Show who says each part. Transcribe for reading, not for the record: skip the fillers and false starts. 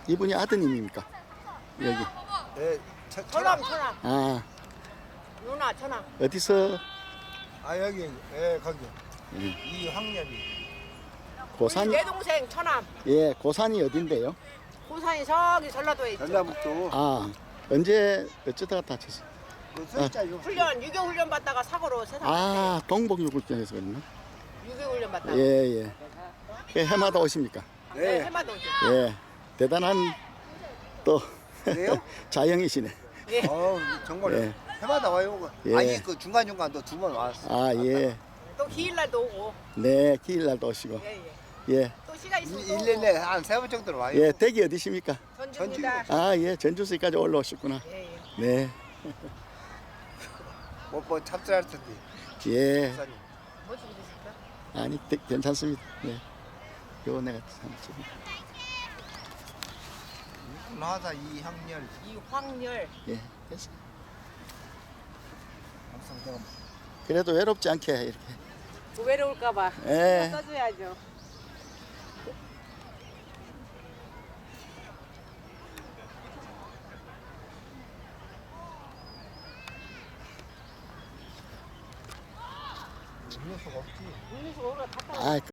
Speaker 1: 이분이 아드님입니까? 여기.
Speaker 2: 예,
Speaker 3: 천암.
Speaker 1: 아,
Speaker 3: 누나 천암.
Speaker 1: 어디서
Speaker 2: 아 여기 예 거기
Speaker 1: 예.
Speaker 2: 이황렬이
Speaker 1: 고산?
Speaker 3: 내 동생 천암.
Speaker 1: 예, 고산이 어딘데요?
Speaker 3: 고산이 저기 전라도에 있죠.
Speaker 2: 전라북도
Speaker 1: 아, 언제 어쩌다가 다쳤어요?
Speaker 2: 그 서있자요.
Speaker 3: 훈련 유교 훈련 받다가 사고로 세상.
Speaker 1: 아, 동복유골장에서 그랬나?
Speaker 3: 유교 훈련 받다가.
Speaker 1: 예, 예. 그 해마다 오십니까?
Speaker 3: 네,
Speaker 2: 네.
Speaker 3: 해마도 오죠.
Speaker 1: 예, 대단한 또
Speaker 2: 그래요?
Speaker 1: 자영이시네.
Speaker 3: 예.
Speaker 2: 정말
Speaker 1: 예.
Speaker 2: 해마다 와요.
Speaker 1: 예.
Speaker 2: 아니 그 중간 중간도 2번 왔어.
Speaker 1: 아, 예.
Speaker 3: 또 기일날도 오고.
Speaker 1: 네, 기일날도 오시고.
Speaker 3: 예, 예.
Speaker 1: 예,
Speaker 3: 또 시간 있으면 또
Speaker 2: 1년에 한 3번 정도는 와요.
Speaker 1: 예, 댁이 어디십니까?
Speaker 3: 오고. 전주입니다.
Speaker 1: 아, 예, 전주시까지 올라오셨구나.
Speaker 3: 예, 예.
Speaker 1: 네,
Speaker 2: 뭐 찹쌀할 텐데.
Speaker 1: 예.
Speaker 2: 찹쌀이.
Speaker 3: 뭐 주시겠습니까?
Speaker 1: 아니, 괜찮습니다. 네. 요 내가 삼십.
Speaker 2: 나사 이황렬.
Speaker 3: 이황렬.
Speaker 1: 예, 됐어.
Speaker 2: 항상 내가
Speaker 1: 그래도 외롭지 않게 이렇게.
Speaker 3: 외로울까봐.
Speaker 1: 예.
Speaker 3: 써줘야죠.
Speaker 2: 음료수가 없지.
Speaker 3: 음료수 오늘 갔다
Speaker 1: 아,